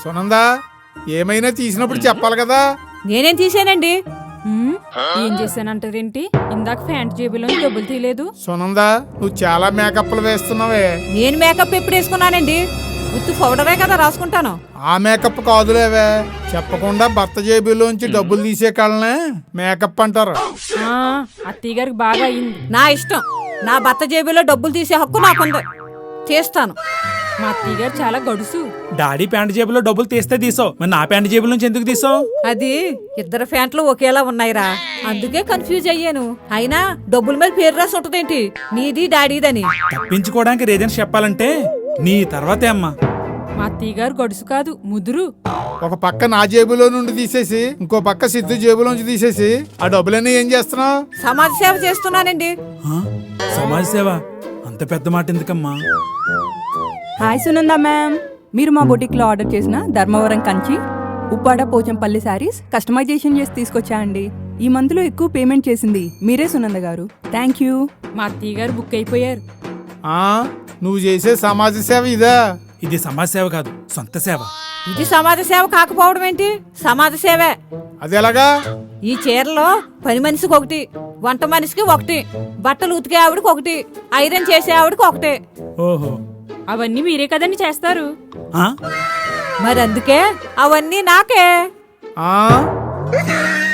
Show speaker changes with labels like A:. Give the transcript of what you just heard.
A: సునందా, ఏమైనా తీసినప్పుడు చెప్పాలి కదా.
B: నేనేం తీసానండి?
C: ఏం చేశానంటారేంటి? ఇందాక ప్యాంట్ జేబులో డబ్బులు తీయలేదు.
A: సునందా, నువ్వు చాలా మేకప్లు వేస్తున్నావే.
B: నేను మేకప్ ఎప్పుడు వేసుకున్నానండి? ఉత్తు పౌడరే కదా రాసుకుంటాను.
A: ఆ మేకప్ కాదులేవే, చెప్పకుండా భర్త జేబులోంచి డబ్బులు తీసే కాళ్ళనే మేకప్ అంటారు.
C: అత్తయ్య గారికి బాగా అయింది.
B: నా ఇష్టం. నా భర్త జేబులో డబ్బులు తీసే హక్కు నాకుంది. చేస్తాను.
C: మా అత్తయ్య గారు చాలా గడుసు.
D: డాడీ ప్యాంట్ జేబులో డబ్బులు తీస్తే తీసావు, మరి నా ప్యాంట్ జేబుల నుంచి ఎందుకు తీసావు?
B: అది ఇద్దరు ప్యాంట్లు ఒకేలా ఉన్నాయిరా, అందుకే కన్ఫ్యూజ్ అయ్యాను. అయినా డబ్బుల మీద పేరు రాసి ఉంటదేంటి, నీది డాడీదని?
D: తప్పించుకోవడానికి రీజన్స్ చెప్పాలంటే నీ తర్వాతే అమ్మా.
C: మా అత్తయ్య గారు గడుసు కాదు, ముదురు.
A: ఒక పక్క నా జేబులో నుండి తీసేసి ఇంకో పక్క సిద్ధు జేబులోంచి తీసేసి ఆ డబ్బులన్నీ ఏం చేస్తున్నావు?
B: సమాజ సేవ చేస్తున్నానండి.
D: సమాజ సేవ? అంత పెద్ద మాట ఎందుకమ్మా?
E: హాయ్ సునంద మ్యామ్, మీరు మా బొటిక్లో ఆర్డర్ చేసిన ధర్మవరం కంచి, ఉప్పాడ పోచంపల్లి శారీస్ కస్టమైజేషన్ చేసి తీసుకొచ్చా అండి. ఈ మంత్లో ఎక్కువ పేమెంట్ చేసింది మీరే సునంద గారు. Thank you.
C: మా అత్తయ్య గారు బుక్ అయిపోయారు.
A: నువ్వు చేసే సమాజ సేవ ఇదా?
D: ఇది సమాజ సేవ కాదు, సొంత సేవ.
B: ఇది సమాజ సేవ కాకపోవడం ఏంటి? సమాజ సేవే.
A: అది ఎలాగా?
B: ఈ చీరలో పని మనిషికి ఒకటి, వంట మనిషికి ఒకటి, బట్టలు ఉతికే ఆవిడకి ఒకటి, ఐరన్ చేసే ఆవిడకి ఒకటి.
D: ఓహో,
C: అవన్నీ మీరే కదండి చేస్తారు.
B: మరి అందుకే అవన్నీ నాకే.